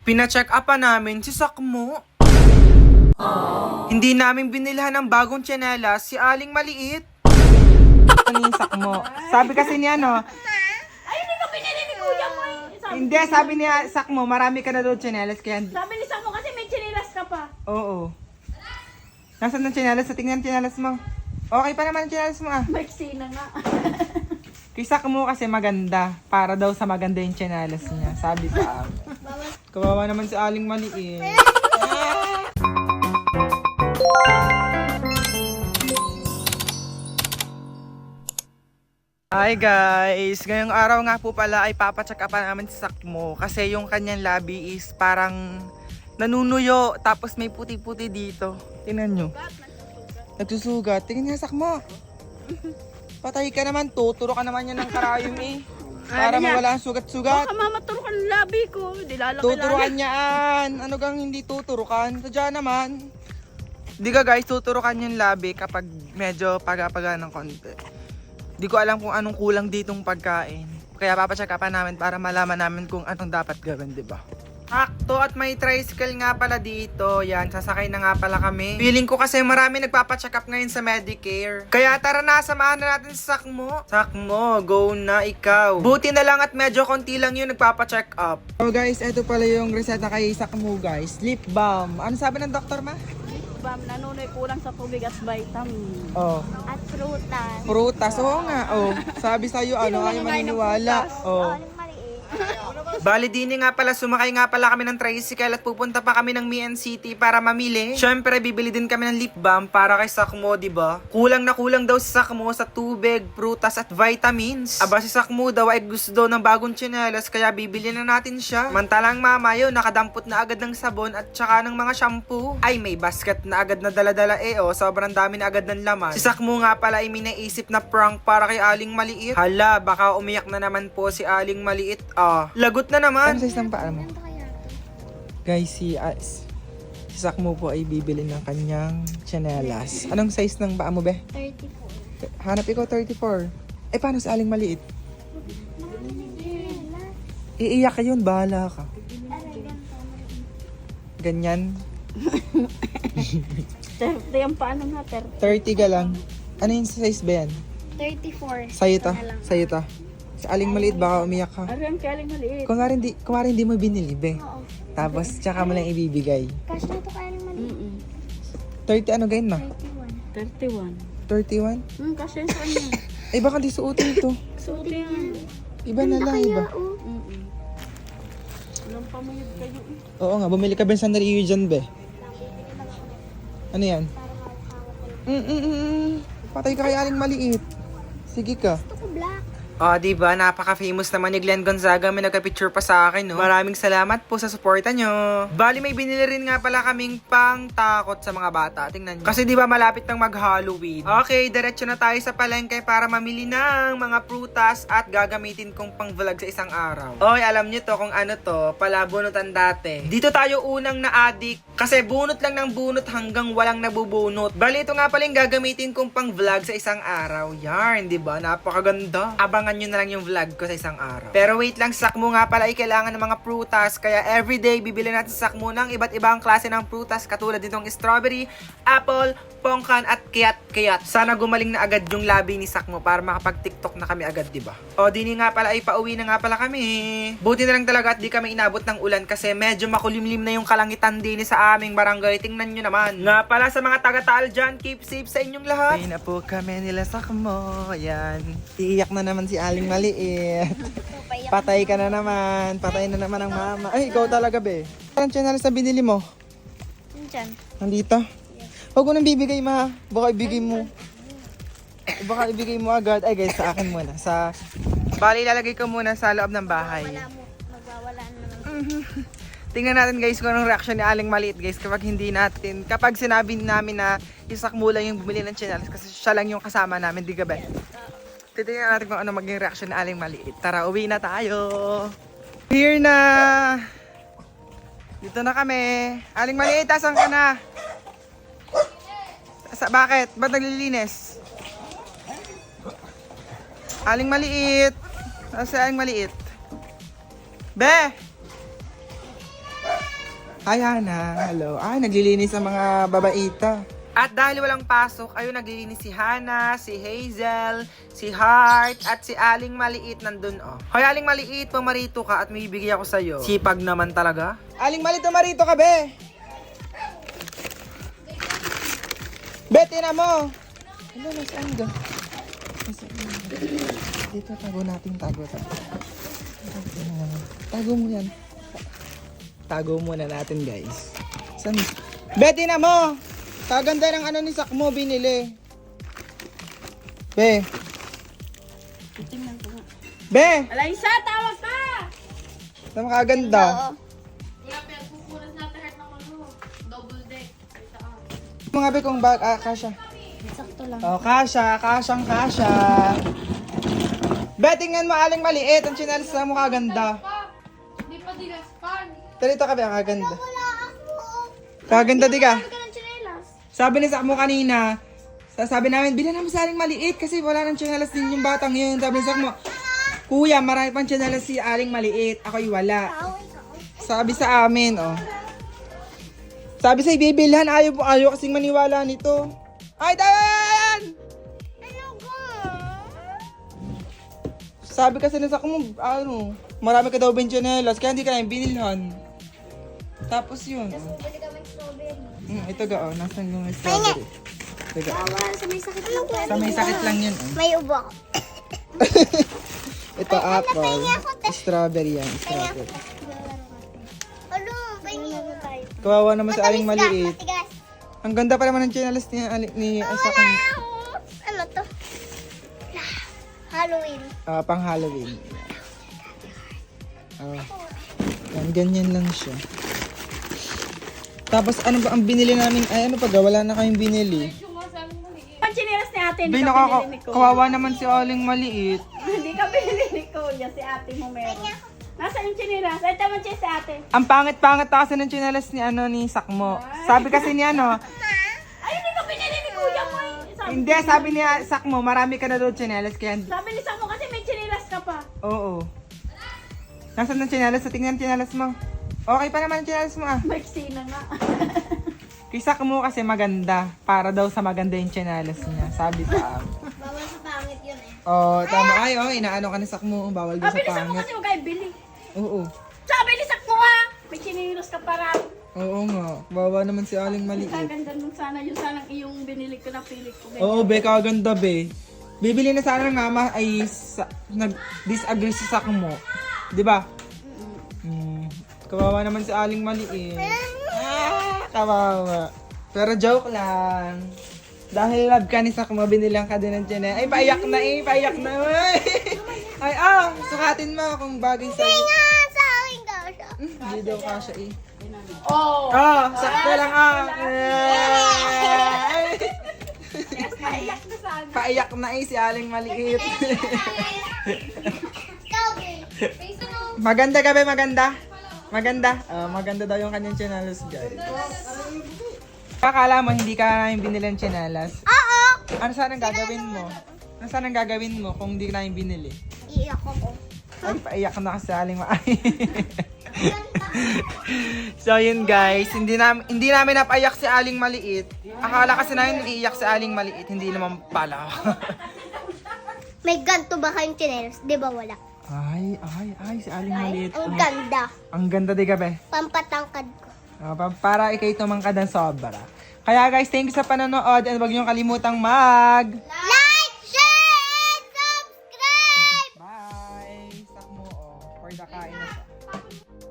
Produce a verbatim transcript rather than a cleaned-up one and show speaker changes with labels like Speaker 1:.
Speaker 1: Pina-check up pa namin si Sakmo. Hindi namin binilhan ng bagong tsinelas si Aling Maliit. Ano yung Sakmo? Sabi kasi niya, no?
Speaker 2: Ay, hindi ko pinili ni Kuya mo eh. Sabi,
Speaker 1: Hindi, sabi niya, Sakmo, marami ka na doon tsinelas. Kaya,
Speaker 2: sabi ni Samo kasi may chinilas ka pa.
Speaker 1: oo. Nasaan ang tsinelas? Sa tingnan ang tsinelas mo. Okay pa naman ang tsinelas mo ah.
Speaker 2: Maiksi na nga.
Speaker 1: Kay Sakmo kasi maganda. Para daw sa maganda yung tsinelas niya. Sabi sa amin. Kawawa naman si Aling Maliit. Hi guys! Ngayong araw nga po pala ay papacheck up namin si Sakmo kasi yung kanyang labi is parang nanunuyo tapos may puti-puti dito. Tingnan nyo. Nagsusugat. Tingnan nga Sakmo. Patay ka naman, tuturo ka naman yan ng karayom eh. Para
Speaker 2: Ano yan?
Speaker 1: mawala ang sugat-sugat.
Speaker 2: Baka mamaturukan ang labi ko. Di lalaki
Speaker 1: Tuturukan niyaan. Ano gang hindi tuturukan? Sadya naman. Di ka guys, tuturukan yung labi kapag medyo paga-paga ng konti. Di ko alam kung anong kulang ditong pagkain. Kaya papacheck upan namin para malaman namin kung anong dapat gawin, di ba? Akto at may tricycle nga pala dito. Yan, sasakay na nga pala kami. Feeling ko kasi marami nagpapacheck up ngayon sa Medicare. Kaya tara na, samahan na natin si Sakmo. Sakmo, go na ikaw. Buti na lang at medyo konti lang yung nagpapacheck up. So guys, eto pala yung reseta kay Sakmo guys. Lip balm. Ano sabi ng doktor ma?
Speaker 2: Bam, nanunoy kulang sa tubig at vitamin.
Speaker 1: Oh.
Speaker 3: At prutas.
Speaker 1: Prutas. Oo nga. Oh. Sabi sa'yo, ano, ayaw maniniwala. Oh.
Speaker 3: Aling maliit.
Speaker 1: Bali din nga pala, sumakay nga pala kami ng tricycle at pupunta pa kami ng Mian City para mamili. Syempre, bibili din kami ng lip balm para kay Sakmo, di ba? Kulang na kulang daw si Sakmo sa tubig, prutas at vitamins. Aba, si Sakmo daw ay gusto daw ng bagong tsinelas kaya bibili na natin siya. Mantalang mama yun, nakadampot na agad ng sabon at tsaka ng mga shampoo. Ay, may basket na agad na daladala eh, oh. Sobrang dami na agad ng laman. Si Sakmo nga pala ay may naisip na prank para kay Aling Maliit. Hala, baka umiyak na naman po si Aling Maliit. Ah, lagot na naman. Ano size ng paa mo? Guys, si, uh, si Sakmo po ay bibili ng kanyang tsinelas. Anong size ng paa mo, be?
Speaker 3: thirty-four.
Speaker 1: Hanap ikaw, thirty-four. Eh, paano sa Aling Maliit? Iiyak ka yun, bahala ka. Ganyan.
Speaker 2: thirty ang paano nga, thirty.
Speaker 1: thirty ka lang. Ano yung size ba yan?
Speaker 3: thirty-four.
Speaker 1: Sa'yo ta.
Speaker 3: Na lang.
Speaker 1: Sa'yo ta. Sa Aling Maliit, baka umiyak ka.
Speaker 2: Ari ang kaling maliit.
Speaker 1: Kung nga rin di, kung nga rin di mo binili, be.
Speaker 3: Oo.
Speaker 1: Tapos, tsaka mo lang ibibigay.
Speaker 3: Cash na to kaya aling maliit.
Speaker 2: Mm-mm.
Speaker 1: thirty ano gain ma?
Speaker 3: thirty-one.
Speaker 2: thirty-one.
Speaker 1: thirty-one?
Speaker 2: Hmm, kasi saan yan?
Speaker 1: Eh, baka di suotin ito.
Speaker 2: Suti yan.
Speaker 1: Iba na lang, iba.
Speaker 3: Oh.
Speaker 2: Mm-mm. Walang pamayag kayo eh.
Speaker 1: Oo nga, bumili ka ba ng sandali dyan, be? Ano yan? Mm-mm-mm. Patay ka kay Aling Maliit. Sige ka.
Speaker 3: Gusto ko black.
Speaker 1: Ah, di ba? Napaka-famous naman ni Glenn Gonzaga. May nagka-picture pa sa akin, no? Maraming salamat po sa suporta nyo. Bali, may binili rin nga pala kaming pang takot sa mga bata. Tingnan nyo. Kasi di ba malapit nang mag-Halloween. Okay, diretso na tayo sa palengke para mamili ng mga prutas at gagamitin kong pang vlog sa isang araw. Oy, alam nyo to kung ano to. Palabunutan dati. Dito tayo unang na-addict kasi bunot lang ng bunot hanggang walang nabubunot. Bali, ito nga pala yung gagamitin kong pang vlog sa isang araw. Yarn, di ba? Napakaganda. Abangan nyo na lang yung vlog ko sa isang araw. Pero wait lang, Sakmo nga pala ay kailangan ng mga prutas. Kaya everyday, bibili natin sa Sakmo ng iba't ibang klase ng prutas katulad nitong strawberry, apple, pongkan at kiyat-kiyat. Sana gumaling na agad yung labi ni Sakmo para makapag-tiktok na kami agad, diba? O, dini nga pala ay pauwi na nga pala kami. Buti na lang talaga at di kami inabot ng ulan kasi medyo makulimlim na yung kalangitan din sa aming barangay. Tingnan nyo naman. Nga pala sa mga taga-Taal dyan, keep safe sa inyong lahat. Ay na po kami nila Sakmo. Ayan. Iiyak na naman si Aling Maliit. Patay ka na naman. Patay na naman ang mama. Ay, ikaw talaga, be. Anong channel sa binili mo?
Speaker 3: Diyan.
Speaker 1: Nandito? Huwag mo nang bibigay, ma. Baka ibigay mo. Baka ibigay mo agad. Ay, guys, sa akin muna. Sa... Bali, ilalagay ko muna sa loob ng bahay.
Speaker 3: Wala mo. Magwawala na naman.
Speaker 1: Tingnan natin, guys, kung anong reaction ni Aling Maliit, guys, kapag hindi natin, kapag sinabi namin na isakmo lang yung bumili ng channels kasi siya lang yung kasama namin, di ka ba? Titingnan natin kung ano maging reaction ni Aling Maliit. Tara, uwi na tayo. Here na. Dito na kami. Aling Maliit, asan ka na? Sa, bakit? Ba't naglilinis? Aling Maliit. Asan si Aling Maliit? Be! Hi, Hana. Hello. Ay, naglilinis ang mga babaita. At dahil walang pasok, ayun, naglilinis si Hana, si Hazel, si Heart, at si Aling Maliit nandun, oh. Hoy, Aling Maliit, pumarito ka at may bibigay ako sa'yo. Sipag naman talaga. Aling Maliit, pumarito ka, be. Bete na mo. Ano, nasaan ka? Nasaan ka? Dito, tago natin, tago, tago. Tago mo yan. Tago muna natin, guys. Saan? Bete na mo. Kaganda ng ano ni Sakmo binili. Be.
Speaker 2: Tingnan ko nga.
Speaker 1: Be!
Speaker 2: Alaysa, tawag ka!
Speaker 1: Tama kaganda.
Speaker 3: Oo.
Speaker 1: Mga be kung bag, ah, kasha.
Speaker 3: Sakto lang.
Speaker 1: Oh, kasha, kasyang kasha. Be, tingnan mo, Aling Maliit. Ang chinelas mo kaganda.
Speaker 4: Hindi pa dinaspan.
Speaker 1: Dito ka be, kaganda.
Speaker 3: Wala ako.
Speaker 1: Kaganda, di ka?
Speaker 3: Ano ka ng tsinelas?
Speaker 1: Sabi ni Sakmo kanina, sabi namin, bilan naman sa Aling Maliit kasi wala nang chinelas din yung batang yun. Sabi ni Sakmo, Kuya, marami pang chinelas si Aling Maliit. Ako'y wala.
Speaker 3: Ikaw, ikaw.
Speaker 1: Sabi sa amin, oh. Sabi sa ibibilhan, ayaw po, ayaw kasing maniwala nito. Ay, dayan!
Speaker 3: Ano ko?
Speaker 1: Sabi kasi nasa mo, ano, marami ka daw benchinelas, kaya hindi ka namin binilhan. Tapos yun.
Speaker 3: Tapos bumili kami ng strawberry.
Speaker 1: Mm, ito ga, oh, nasan yung strawberry. Ito ga.
Speaker 3: Bawal, sa may sakit lang.
Speaker 1: Sa may sakit lang yun, oh.
Speaker 3: May ubo ako.
Speaker 1: Ito apple, strawberry yan, strawberry.
Speaker 3: Ano, pahingi ako tayo.
Speaker 1: Kawawa naman sa Aling Maliit.
Speaker 3: Matigas.
Speaker 1: Ang ganda pa naman ng chinelas ni, Ali- ni Isa kong
Speaker 3: Ano to? Halloween.
Speaker 1: ah, pang Halloween. Ah, yan, ganyan lang siya. Tapos ano ba ang binili namin? Ay ano pa ga, wala na kayong binili.
Speaker 2: Ang chinilas ni ate,
Speaker 1: Bay,
Speaker 2: hindi ka
Speaker 1: nakaka-
Speaker 2: binili ni Kuya.
Speaker 1: kawawa naman si Aling Maliit.
Speaker 2: Hindi ka binili ni Kuya, si ate mo meron. Nasaan yung chinilas? Ay, tama siya si ate.
Speaker 1: Ang pangit-pangit kasi ng chinelas ni ano ni Sakmo. Sabi kasi ni ano,
Speaker 2: Ay, hindi ka binili ni Kuya mo eh. Sabi,
Speaker 1: hindi, sabi ni Sakmo, marami ka na daw chinelas kaya hindi.
Speaker 2: sabi ni Samo kasi may chinilas ka pa.
Speaker 1: Oo. Nasaan ang chinelas? Sa tingnan ang chinelas mo. Okay pa naman ang chinelas mo ah.
Speaker 2: Maiksi na nga.
Speaker 1: Kay Sakmo kasi maganda. Para daw sa maganda yung chinelas niya. Sabi sa amin.
Speaker 3: Bawal sa pangit yun eh.
Speaker 1: Oh, tama. Ay, oh, inaano ka ni Sakmo. Bawal daw
Speaker 2: Sabi
Speaker 1: sa
Speaker 2: ni Samo
Speaker 1: pangit.
Speaker 2: kasi huwag kayo bili.
Speaker 1: Oo.
Speaker 2: Sabi ni Sakmo ha, may chinilas ka pa rin.
Speaker 1: Oo nga. Bawa naman si Aling Maliit.
Speaker 2: Kaganda nung sana yun, sanang iyong binili ko na pilit ko.
Speaker 1: Oo, be, kaganda, be. Bibili na sana ng mama ay sa, nag-disagree sa Sakmo. Di ba? Hmm. Kawawa naman si Aling Maliit. Ah, kawawa. Pero joke lang. Dahil love ka ni Sakmo, binilang ka din ng tiyan. Ay, paiyak na eh, paiyak na. Ay, ay ah, sukatin mo kung bagay sa'yo.
Speaker 3: Nga, sa akin ka siya.
Speaker 1: Hindi daw kasha eh.
Speaker 2: Oh!
Speaker 1: Oh, sakto lang ah. Ay.
Speaker 2: Kaiyak na sana.
Speaker 1: Paiyak na eh si Aling Maliit. Maganda ka ba? Maganda? Maganda? Ah, maganda daw yung kanyang chinelas, guys. Akala mo hindi ka namin binili ng chinelas?
Speaker 3: Oo.
Speaker 1: Ano saan ang gagawin mo? Ano saan ang gagawin mo kung hindi ka namin binili?
Speaker 3: Iiyak ako.
Speaker 1: Ay, paiyak na kasi Aling Maliit. So yun guys, hindi namin hindi namin napaiyak si Aling Maliit. Akala kasi namin iiyak si Aling Maliit, hindi naman pala.
Speaker 3: May ganto ba kayong tsinelas? Di ba wala?
Speaker 1: Ay, ay, ay, si Aling Maliit.
Speaker 3: Ang
Speaker 1: Oh.
Speaker 3: ganda.
Speaker 1: Ang ganda di gabi.
Speaker 3: Pampatangkad ko.
Speaker 1: Ah, pa- para ikay tumangkad ng sobra. Kaya guys, thank you sa panonood and huwag niyong kalimutang mag...
Speaker 3: Like, share, and subscribe!
Speaker 1: Bye! Sakmo, oh. For the kain na siya.